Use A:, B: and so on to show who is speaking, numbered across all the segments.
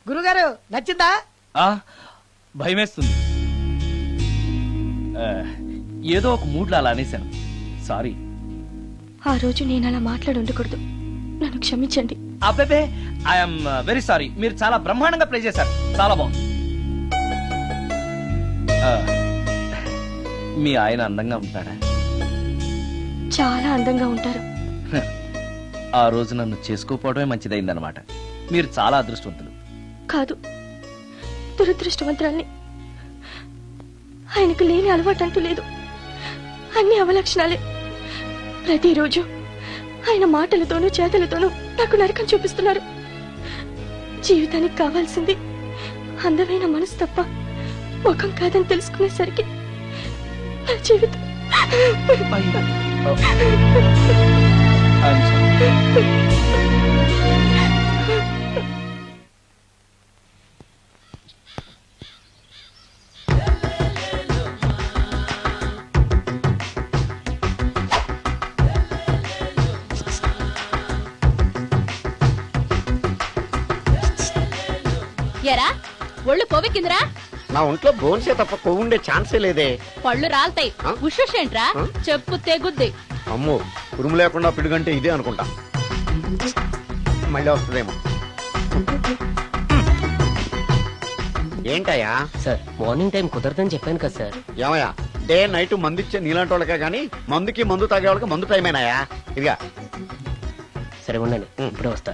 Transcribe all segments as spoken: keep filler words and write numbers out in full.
A: గురుగారు నచ్చిందా?
B: భయమేస్తుంది. ఏదో ఒక మూడ్లో అలా అనేశాను, సారీ.
C: ఆ రోజు నేను అలా మాట్లాడి ఉండకూడదు, నన్ను క్షమించండి.
B: అబ్బే, ఐఎమ్ వెరీ సారీ. మీరు చాలా బ్రహ్మాండంగా ప్లే చేశారు, చాలా బాగుంది. మీ ఆయన అందంగా ఉంటాడా?
C: చాలా అందంగా ఉంటారు.
B: ఆ రోజు నన్ను చేసుకోపోవడమే మంచిదైందనమాట. మీరు చాలా అదృష్టవంతులు.
C: కాదు, దురదృష్టవంతురాల్ని. ఆయనకు లేని అలవాటు అంటూ లేదు, అన్ని అవలక్షణాలే. ప్రతిరోజు ఆయన మాటలతోనూ చేతలతోనూ నాకు నరకం చూపిస్తున్నారు. జీవితానికి కావాల్సింది అందమైన మనసు తప్ప ముఖం కాదని తెలుసుకునేసరికి నా జీవితం
D: ఎరా ఒళ్ళు కొవ్వెక్కిందిరా?
E: నా ఒంట్లో బోన్సే తప్ప కొవ్వు ఉండే ఛాన్సే లేదే.
D: పళ్ళు రాల్తాయి. ఉషేంట్రా చెప్పు తెగుద్ది.
E: అమ్మో, ఉరుము లేకుండా పిడుగంటే ఇదే అనుకుంటా. మళ్ళీ వస్తుందేమో. ఏంటయ్యా?
F: సార్ మార్నింగ్ టైం కుదరదని చెప్పాను కదా సార్.
E: ఏమయ్యా, డే నైట్ మందు ఇచ్చే నీలాంటి వాళ్ళకే గానీ మందుకి మందు తాగే వాళ్ళకి మందు టైమేనాయా? ఇదిగా
F: సరే ఉండండి, ఇప్పుడే వస్తా.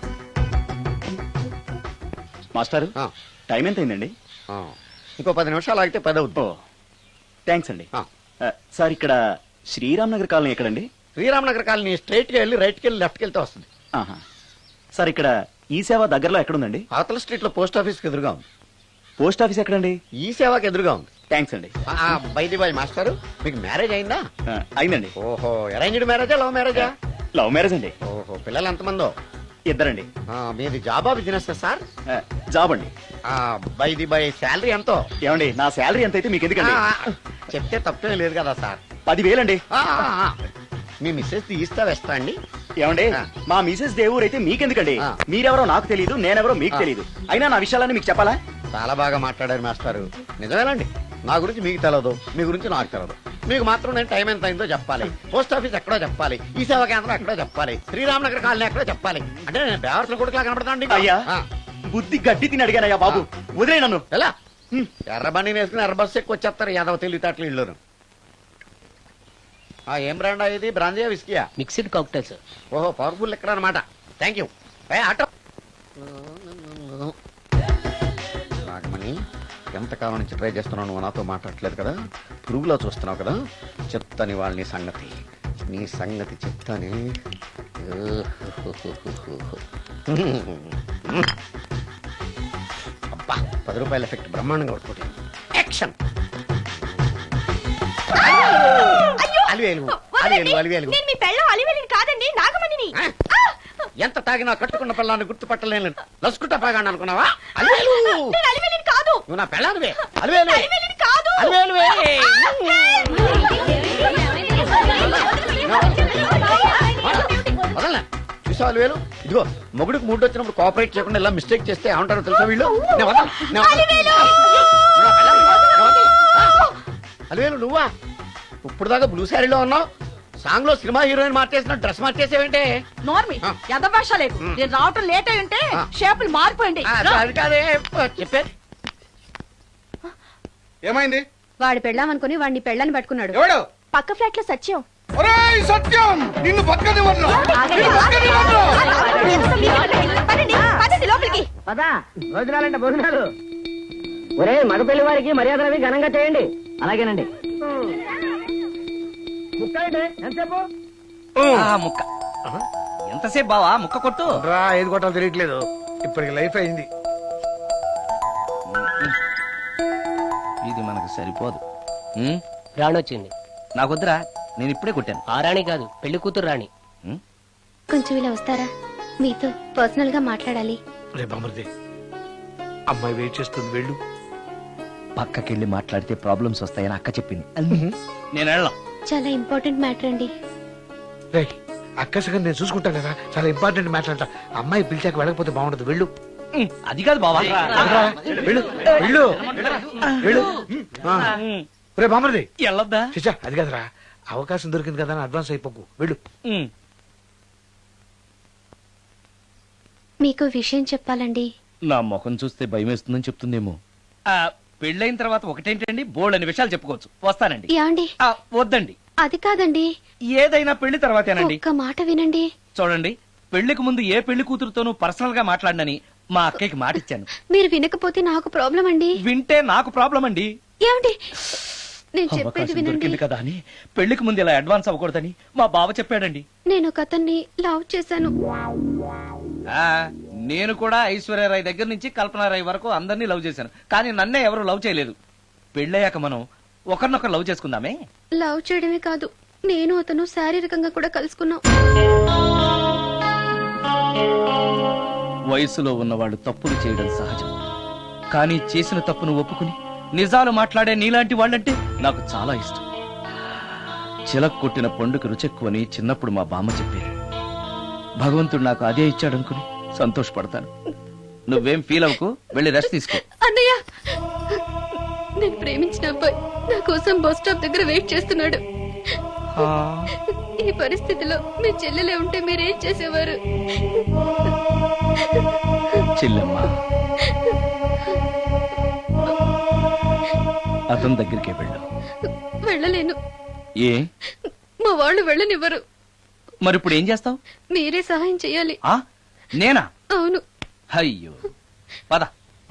G: మాస్టారు, టైం ఎంత అయిందండి?
E: ఇంకో పది నిమిషాలు ఆగితే పది అవుతుంది.
G: థ్యాంక్స్ అండి. సార్, ఇక్కడ శ్రీరామ్ నగర్ కాలనీ ఎక్కడండి?
E: శ్రీరామ్ నగర్ కాలనీ స్ట్రైట్ గా వెళ్ళి రైట్ కి వెళ్ళి లెఫ్ట్ కి వెళ్తే వస్తుంది.
G: సార్, ఇక్కడ ఈ సేవ దగ్గరలో ఎక్కడుందండి?
E: అవతల స్ట్రీట్ లో పోస్ట్ ఆఫీస్ కి ఎదురుగా ఉంది.
G: పోస్ట్ ఆఫీస్ ఎక్కడండి?
E: ఈ సేవకి ఎదురుగా ఉంది.
G: థ్యాంక్స్ అండి.
E: బైది బాయ్ మాస్టారు, మీకు మ్యారేజ్ అయిందా?
G: అయిందండి.
E: ఓహో, అరేంజ్డ్ మ్యారేజా లవ్ మ్యారేజా?
G: లవ్ మ్యారేజ్ అండి.
E: ఓహో, పిల్లలు ఎంతమందో?
G: ఇద్దరండి.
E: మీది జాబా బిజినెస్ సార్?
G: జాబ్ అండి.
E: బైది బై శాలరీ ఎంతో?
G: ఏమండి, నా శాలరీ ఎంత అయితే మీకు ఎందుకండి?
E: చెప్తే తప్పేం లేదు కదా సార్.
G: పదివేలండి.
E: మీ మిస్సెస్ తీస్తా వేస్తా అండి.
G: ఏమండి, మా మిసెస్ దేవూర్ అయితే మీకెందుకండి? మీరెవరో నాకు తెలియదు, నేనెవరో మీకు తెలియదు. అయినా నా విషయాలని మీకు చెప్పాలా?
E: చాలా బాగా మాట్లాడారు మాస్టారు. నిజమేనండి, నా గురించి మీకు తెలదు, మీ గురించి నాకు తెలదు. మీకు మాత్రం నేను టైం ఎంత అయిందో చెప్పాలి, పోస్ట్ ఆఫీస్ ఎక్కడో చెప్పాలి, ఈ సేవా కేంద్రం ఎక్కడో చెప్పాలి, శ్రీరామ్ నగర్ కాలనీ ఎక్కడో చెప్పాలి. అంటే నేను బేవర్సన కొడుకులా కనపడతాండి.
G: అయ్యా, బుద్ధి గడ్డి తిని అడిగానయ్యా బాబు, వదిలే నన్ను.
E: ఎలా ఎర్ర బండి వేసుకుని ఎర్ర బస్సు ఎక్కువ వచ్చేస్తారు యాదవ తెలివితేటలు ఇల్లును. ఏం బ్రాండ్ ఇది? బ్రాంజియా విస్కియా?
F: Mixed cocktail sir.
E: ఓహో, పవర్ఫుల్ ఎక్కడ అనమాట. Thank you. ఆటో నాగమణి, ఎంతకాలం నుంచి ట్రై చేస్తున్నావు, నువ్వు నాతో మాట్లాడట్లేదు కదా, పురుగులో చూస్తున్నావు కదా, చెప్తాని వాళ్ళని సంగతి, నీ సంగతి చెప్తాని. అబ్బా, పది రూపాయల ఎఫెక్ట్ బ్రహ్మాండంగా పడుతుంది. యాక్షన్. అలివేలు అలివేలు అలివేలు.
C: కాదండి, నాగమణిని.
E: ఎంత తాగినా కట్టుకున్న పిల్లాన్ని గుర్తుపట్టలేను, లసుకుంటా పాగాను అనుకున్నావా? అలివేలు
C: కాదు,
E: నువ్వు నా పిల్లానివే. అలివేలు అలివేలువే. వదలనా? చూసావు అలివేలు, ఇదిగో మొగుడికి మూడు వచ్చినప్పుడు కోఆపరేట్ చేయకుండా ఇలా మిస్టేక్ చేస్తే ఏమంటారో తెలుసా వీళ్ళు? అలివేలు నువ్వా? ఇప్పుడు దాకా బ్లూ శారీలో ఉన్నావు, సాంగ్ లో సినిమా హీరోయిన్ మార్చేసిన డ్రెస్ మార్చేసేవంటే?
A: నార్మల్ యద భాష లేదు. నేను రావటం లేట్ అయి ఉంటే షేపులు మారిపోయింది.
E: అది కాదే చెప్పారు.
H: ఏమైంది?
C: వాడు పెళ్ళామనుకుని వాడిని పెళ్ళని పట్టుకున్నాడు.
H: ఎవడు?
C: పక్క ఫ్లాట్ లో సత్యం.
H: ఒరేయ్ సత్యం, నిన్ను పక్కనివ్వను.
C: లోపలికి
F: పదా, భోజనాలంటే భోజనాలు. ఒరే, మగ పెళ్లి వారికి మర్యాదలవి ఘనంగా చేయండి. అలాగేనండి.
B: ముక్క ఎంతసేపు బావా? ముక్క కొట్టు.
H: ఏది కొట్టాలో తెలియట్లేదు, ఇప్పటికి లైఫ్ అయింది.
B: ఇది మనకు సరిపోదు.
F: రాణి వచ్చింది.
B: నాకొద్దురా, నేను ఇప్పుడే కొట్టాను.
F: ఆ రాణి కాదు, పెళ్లి కూతురు రాణి.
C: కొంచెం ఇలా వస్తారా? మీతో పర్సనల్ గా మాట్లాడాలి.
H: రేపమృది, అమ్మాయి వెయిట్ చేస్తుంది, వెళ్ళు.
B: పక్కకెళ్ళి మాట్లాడితే ప్రాబ్లమ్స్ వస్తాయని అక్క చెప్పింది. నేను వెళ్ళాం.
C: చాలా ఇంపార్టెంట్ మ్యాటర్ అండి.
H: అక్కసగా నేను చూసుకుంటాను కదా, చాలా ఇంపార్టెంట్ మ్యాటర్ అంట. అమ్మాయి పిలిచాక వెళ్ళకపోతే బాగుండదు, వెళ్ళు.
B: ఉమ్, అది కాదు బావా
H: వెళ్ళు వెళ్ళు వెళ్ళు ఆ. రే బామర్ది
B: వెళ్ళొద్దా
H: చిచ్చా అది కదరా అవకాశం దొరికింది కదా అని అడ్వాన్స్ అయిపోకు వెళ్ళు
B: ఉమ్,
C: మీకు విషయం చెప్పాలండి.
B: నా ముఖం చూస్తే భయం వేస్తుందని చెప్తుందేమో ఆ, పెళ్ళైన తర్వాత ఒకటేంటండి బోల్డ్ అనే విషయాలు చెప్పుకోవచ్చు వస్తానండి
C: యాండి
B: ఆ, వద్దండి
C: అది కాదండి,
B: ఏదైనా పెళ్లి తర్వాతేనండి
C: ఒక్క మాట వినండి.
B: చూడండి పెళ్లికి ముందు ఏ పెళ్లి కూతురుతోనూ పర్సనల్ గా మాట్లాడనని మా అక్కకి మాట ఇచ్చాను
C: మీరు వినకపోతే నాకు ప్రాబ్లం అండి.
B: వింటే నాకు ప్రాబ్లం అండి
C: ఏమండి నేను చెప్పేది
B: అవకాశం
C: వినండి.
B: దొరికింది కదా అని పెళ్లికి ముందు ఇలా అడ్వాన్స్ అవ్వకూడదని మా బావ చెప్పాడండి
C: నేను ఒక అతన్ని లవ్ చేశాను.
B: ఆ నేను కూడా ఐశ్వర్యరాయ్ దగ్గర నుంచి కల్పనారాయ్ వరకు అందరినీ లవ్ చేశాను కానీ నన్నే ఎవరు లవ్ చేయలేదు పెళ్ళయ్యాక మనం ఒకరినొకరు లవ్ చేసుకుందామే
C: లవ్ చేయడమే కాదు, నేను అతను శారీరకంగా కూడా కలుసుకున్నాం.
B: వయసులో ఉన్నవాళ్ళు తప్పులు చేయడం సహజం కానీ చేసిన తప్పును ఒప్పుకుని నిజాలు మాట్లాడే నీలాంటి వాళ్ళంటే నాకు చాలా ఇష్టం చిలక్ కొట్టిన పండుగ రుచెక్కువని చిన్నప్పుడు మా బామ్మ చెప్పేది భగవంతుడు నాకు అదే ఇచ్చాడనుకుని సంతోషపడతాను నువ్వేం ఫీల్ అవ్వకు వెళ్ళి రెస్ట్ తీసుకో
C: అన్నయ్య, నేను ప్రేమించిన అబ్బాయి నా కోసం బస్ స్టాప్ దగ్గర వెయిట్ చేస్తున్నాడు. ఈ పరిస్థితిలో మీ చెల్లెలే ఉంటే మీరేం చేసేవారు?
B: చెల్లెమ్మ అతని దగ్గరికే వెళ్ళు
C: వెళ్ళలేను,
B: ఏ
C: మా వాళ్ళు వెళ్ళనివ్వరు.
B: మరి ఇప్పుడు ఏం చేస్తావు
C: మీరే సహాయం చేయాలి.
B: ఆ నేనా
C: అవును.
B: అయ్యో పద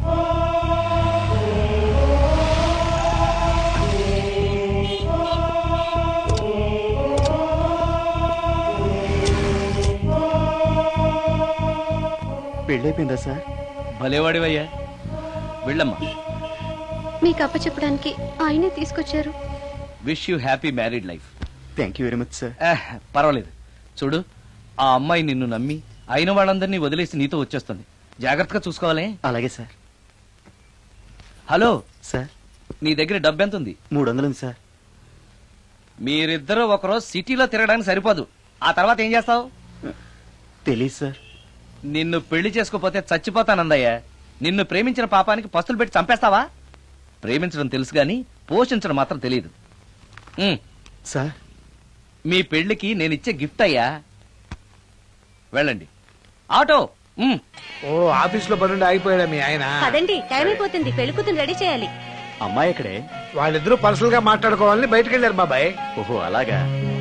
G: పెళ్ళైపోయిందా సార్?
B: భలేవాడివయ్యా వెళ్ళమ్మా
C: మీకు అప్పచెప్పడానికి ఆయనే తీసుకొచ్చారు.
B: Wish you happy married life
G: thank you very much sir.
B: పర్వాలేదు చూడు ఆ అమ్మాయి నిన్ను నమ్మి అయిన వాళ్ళందరినీ వదిలేసి నీతో వచ్చేస్తుంది జాగ్రత్తగా చూసుకోవాలి
G: అలాగే సార్.
B: హలో
G: సార్
B: నీ దగ్గర డబ్బు ఎంత ఉంది
G: మూడు వందలు ఉంది సార్.
B: మీరిద్దరూ ఒకరోజు సిటీలో తిరగడానికి సరిపోదు ఆ తర్వాత ఏం చేస్తావు
G: తెలీదు సార్.
B: నిన్ను పెళ్లి చేసుకోపోతే చచ్చిపోతానందయ్యా నిన్ను ప్రేమించిన పాపానికి పస్తులు పెట్టి చంపేస్తావా ప్రేమించడం తెలుసు గాని పోషించడం మాత్రం తెలియదు ఉమ్,
G: సార్
B: మీ పెళ్లికి నేనిచ్చే గిఫ్ట్ అయ్యా వెళ్ళండి ఆటో ఉమ్.
H: ఓ ఆఫీస్ లో పనుండి ఆగిపోయాడా మీ ఆయన?
A: పదండి టైం అయిపోతుంది పెళ్లి కూతురు రెడీ చేయాలి.
G: అమ్మాయి ఎక్కడే?
H: వాళ్ళిద్దరూ పర్సనల్ గా మాట్లాడుకోవాలని బయటకు వెళ్ళారు బాబాయ్.
G: ఓహో అలాగా.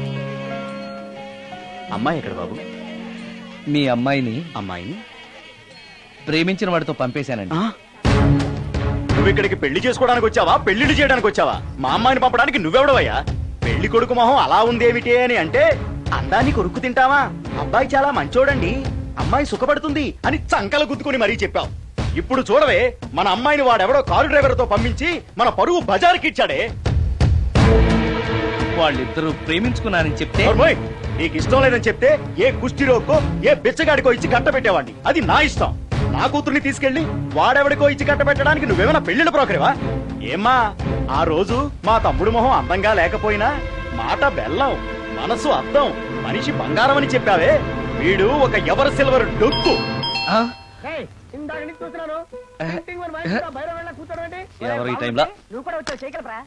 G: అమ్మాయి ఎక్కడ బాబు?
B: మీ అమ్మాయిని
G: అమ్మాయిని
B: ప్రేమించిన వాడితో పంపేశానండి
G: ఆ? నువ్వు ఇక్కడికి పెళ్లి చేసుకోవడానికి వచ్చావా పెళ్లిళ్ళు చేయడానికి వచ్చావా? మా అమ్మాయిని పంపడానికి నువ్వెవడవయ్యా? పెళ్లి కొడుకు మొహం అలా ఉందేమిటి అని అంటే అందాన్ని కొరుక్కు తింటావా? అబ్బాయి చాలా మంచోడండి అమ్మాయి సుఖపడుతుంది అని చంకల గుద్దుకుని మరీ చెప్పావు. ఇప్పుడు చూడవే మన అమ్మాయిని వాడెవడో కారు డ్రైవర్ తో పంపించి మన పరువు బజార్కి ఇచ్చాడే.
B: వాళ్ళిద్దరూ ప్రేమించుకున్నారని చెప్తే
G: నోర్మోయ్, నీకు ఇష్టం లేదని చెప్తే ఏ కుష్టిరోకో ఏ బిచ్చగాడికో ఇచ్చి కట్ట పెట్టేవాడిని. అది నా ఇష్టం. నా కూతుర్ని తీసుకెళ్లి వాడెవడికో ఇచ్చి కట్ట పెట్టడానికి నువ్వేమైనా పెళ్లిళ్ళ బ్రోకరేవా? ఏమ్మా ఆ రోజు మా తమ్ముడు మొహం అందంగా లేకపోయినా మాట బెల్లం మనసు అద్దం మనిషి బంగారం అని చెప్పావే. వీడు ఒక ఎవరు సిల్వర్ డొక్కు.
B: ఆ?
F: ఇందాక నుంచి చూస్తున్నాను.
B: ఎవరు ఈ టైంలో
F: నువ్వు కూడా వచ్చావు చేయగలరా?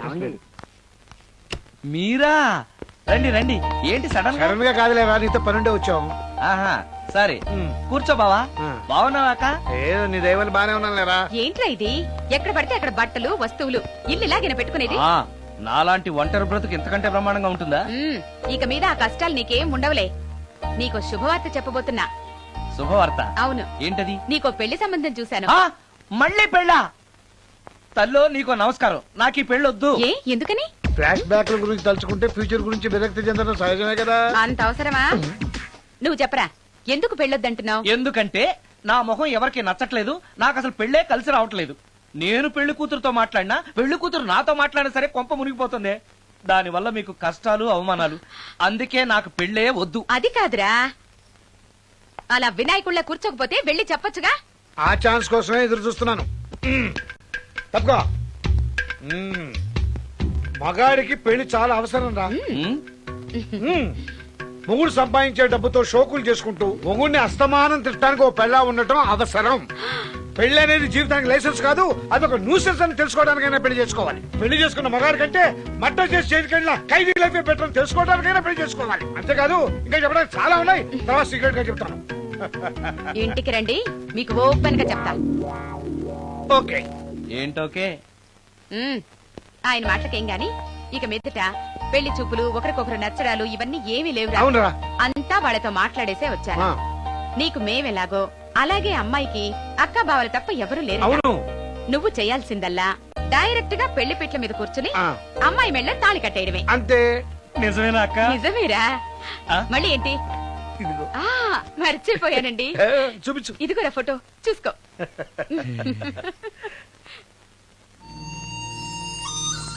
B: మీరా రండి రండి ఏంటి సడన్ గా
H: సడన్ గా కాదులేరా నీతో పనుండే వచ్చాం.
B: ఆహా సరే కూర్చో బావా
H: ఆ.
B: బాగున్నావాక
H: ఏదో నీ దైవాలు బానే ఉన్నాను లేరా.
A: ఏంట్రా ఇది ఎక్కడ పడితే అక్కడ బట్టలు వస్తువులు ఇల్లు ఇలాగిన పెట్టుకునేది.
B: ఆ, నాలాంటి ఒంటరి బ్రతుకు ఎంతకంటే బ్రహ్మాండంగా ఉంటుందా
A: ఉమ్, ఇక మీద ఆ కష్టాలు నీకేం ఉండవులే. నీకో శుభవార్త చెప్పబోతున్నా.
B: శుభవార్త
A: అవును
B: ఏంటది
A: నీకో పెళ్లి సంబంధం చూశాను.
B: ఆ, మళ్ళీ పెళ్ళా తల్లో నీకో నమస్కారం నాకు ఈ పెళ్ళొద్దు
A: ఏ ఎందుకని?
H: ఫ్లాష్ బ్యాక్ గురించి తలుచుకుంటే ఫ్యూచర్ గురించి విరక్తి చెందడం సహజమే కదా.
A: అంత అవసరమా? నువ్వు చెప్పరా ఎందుకు పెళ్ళొద్దంటున్నావు?
B: ఎందుకంటే నా మొహం ఎవరికి నచ్చట్లేదు నాకు అసలు పెళ్ళే కలిసి రావట్లేదు. నేను పెళ్లి కూతురుతో మాట్లాడినా పెళ్లి కూతురు నాతో మాట్లాడినా సరే కొంప మునిగిపోతుంది. దాని వల్ల మీకు కష్టాలు అవమానాలు. అందుకే నాకు పెళ్ళే వద్దు.
A: అది కాదురా అలా వినాయకుళ్ళ కూర్చోకపోతే వెళ్ళి చెప్పొచ్చుగా.
H: ఆ ఛాన్స్ కోసమే ఎదురు చూస్తున్నాను. మ్మ్. తప్పుకో. మ్మ్. మగాడికి పెళ్లి చాలా అవసరం రా.
B: ఉమ్,
H: మ్మ్. మొగుడు సంపాదించే డబ్బుతో షోకులు చేసుకుంటూ మొగుడిని అస్తమానం తిట్టడానికి ఓ పెళ్ళా ఉండటం అవసరం. పెళ్లి అనేది జీవితానికి లైసెన్స్ కాదు, అదొక న్యూసెన్స్ అని తెలుసుకోవడానికైనా పెళ్లి చేసుకోవాలి. పెళ్లి చేసుకున్న మగాడి కంటే మట్ట చేసి చేతికెళ్ళిన ఖైదీ లైఫ్ బెటర్ అని తెలుసుకోవడానికైనా పెళ్లి చేసుకోవాలి. అంతేకాదు ఇంకా చెప్పడానికి చాలా ఉన్నాయి, తర్వాత సీక్రెట్ గా చెప్తాను.
A: ఇంటికి రండి, మీకు ఓపెన్ గా చెప్తాను.
H: ఓకే.
B: ఏంటోకే?
A: ఉమ్, ఆయన మాటలకేం గాని ఇక మీదట పెళ్లి చూపులు, ఒకరికొకరు నచ్చడాలు ఇవన్నీ ఏమీ లేవు.
H: అవునరా?
A: అంతా వాళ్ళతో మాట్లాడేసే వచ్చాను.
H: ఆ.
A: నీకు మేమెలాగో అలాగే అమ్మాయికి అక్క బావలు తప్ప ఎవరూ లేరు.
H: అవును.
A: నువ్వు చేయాల్సిందల్లా డైరెక్ట్ గా పెళ్లి పిట్ల మీద కూర్చుని
H: ఆ.
A: అమ్మాయి మెళ్ళ తాళి కట్టేయడమే.
H: అంతే.
B: నిజమేనా అక్క?
A: నిజమేరా? మళ్ళీ ఏంటి?
H: ఇదిగో.
A: ఆ మర్చిపోయానండి.
H: ఏ, చూపించు.
A: ఇదిగోరా ఫోటో చూసుకో.